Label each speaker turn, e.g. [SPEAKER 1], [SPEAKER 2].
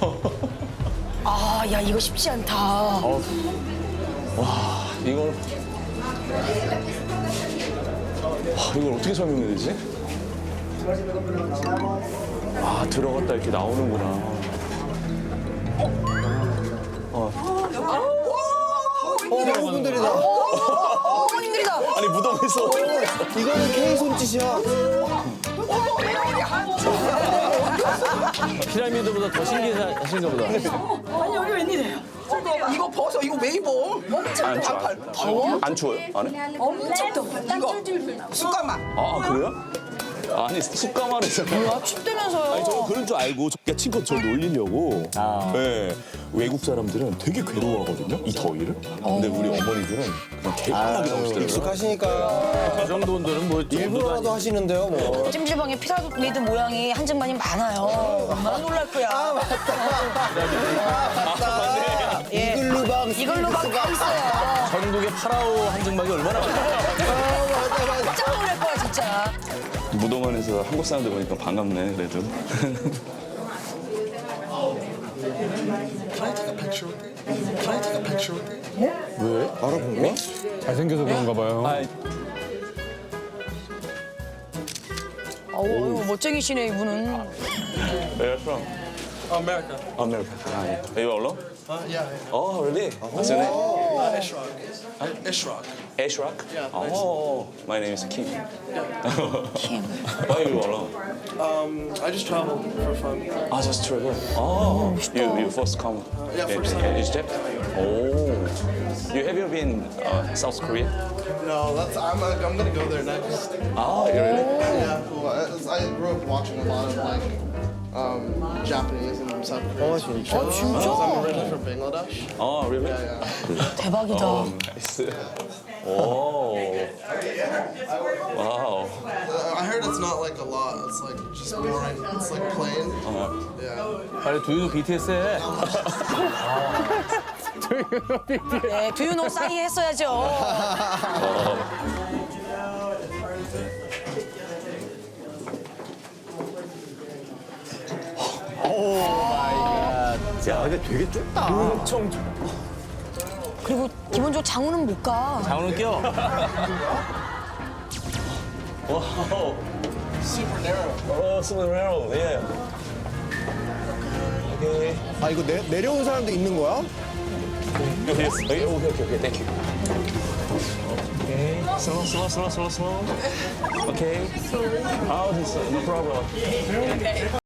[SPEAKER 1] 아, 야, 이거 쉽지 않다.
[SPEAKER 2] 와, 이걸. 이걸 어떻게 설명해야 되지? 아, 들어갔다 이렇게 나오는구나.
[SPEAKER 3] 여러분들이다.
[SPEAKER 1] 어머님들이다.
[SPEAKER 2] 아니, 무덤에서.
[SPEAKER 3] 이거는 K 손짓이야.
[SPEAKER 4] 피라미드보다 더 신기하신가 보다.
[SPEAKER 5] 아니 여기 웬일이에요? 이거 벗어 이거 왜 입어?
[SPEAKER 2] 안 추워요. 더워? 안 추워요? 안에?
[SPEAKER 5] 엄청 더워. 이거 숟가락.
[SPEAKER 2] 아, 그래요? 아니, 숯가마에서.
[SPEAKER 1] 춥다면서요.
[SPEAKER 6] 아니 저는 그런 줄 알고 친구 저 놀리려고. 네. 외국 사람들은 되게 괴로워하거든요. 이 더위를. 근데 우리 어머니들은 그냥 개판하게 나오시더라고요.
[SPEAKER 3] 익숙하시니까
[SPEAKER 4] 그 정도 온도는 뭐
[SPEAKER 3] 일부러라도 하시는데요, 뭐.
[SPEAKER 1] 찜질방에 피라미드 모양이 한증만이 많아요. 얼마나 놀랄 거야. 예.
[SPEAKER 3] 이글루방,
[SPEAKER 1] 이걸로 막 다 있어요.
[SPEAKER 4] 전국의 파라오 한증막이 얼마나 많아요.
[SPEAKER 1] 깜짝 놀랄 거야, 진짜.
[SPEAKER 2] 무덤 안에서 한국 사람들 보니까 반갑네, 그래도.
[SPEAKER 3] 알아본 거야?
[SPEAKER 4] 잘생겨서 그런가 봐요.
[SPEAKER 1] 어우, 멋쟁이시네, 이분은.
[SPEAKER 2] Where are you from?
[SPEAKER 7] America.
[SPEAKER 2] America. Ah, yeah. Are you alone?
[SPEAKER 7] Yeah.
[SPEAKER 2] Oh, really? What's your name?
[SPEAKER 7] Ishraq. Ishraq.
[SPEAKER 2] Ashraq?
[SPEAKER 7] Yeah.
[SPEAKER 2] Oh, my name is Kim.
[SPEAKER 1] Kim.
[SPEAKER 2] Why are you alone?
[SPEAKER 7] I just travel for fun.
[SPEAKER 2] Ah, just travel. Oh, you first come
[SPEAKER 7] Yeah,
[SPEAKER 2] in,
[SPEAKER 7] first time.
[SPEAKER 2] in Egypt? Oh, have you been South Korea?
[SPEAKER 7] No, I'm gonna go there next.
[SPEAKER 2] Ah, you really?
[SPEAKER 7] Yeah, cool. I grew up watching a lot of like Japanese and South Korean TV shows.
[SPEAKER 1] 진짜?
[SPEAKER 7] I'm originally from Bangladesh.
[SPEAKER 2] Oh, really?
[SPEAKER 7] Yeah.
[SPEAKER 1] 대박이다.
[SPEAKER 2] Nice. Oh, wow.
[SPEAKER 7] I heard it's not like a lot. It's like just boring. It's like plain. Yeah.
[SPEAKER 4] 빨리 두유도 BTS 해.
[SPEAKER 1] 네, 두유노 싸이 했어야죠.
[SPEAKER 4] 야, 근데 되게 좁다.
[SPEAKER 2] 엄청
[SPEAKER 1] 그리고 기본적으로 장우는 못 가.
[SPEAKER 4] 장우는 껴.
[SPEAKER 2] wow.
[SPEAKER 7] Super narrow.
[SPEAKER 2] Oh, super narrow. Yeah. Okay.
[SPEAKER 3] 아, 이거 내려온 사람도 있는 거야?
[SPEAKER 2] Okay, okay. Thank you. Okay. Slow. Okay. Oh, this no problem.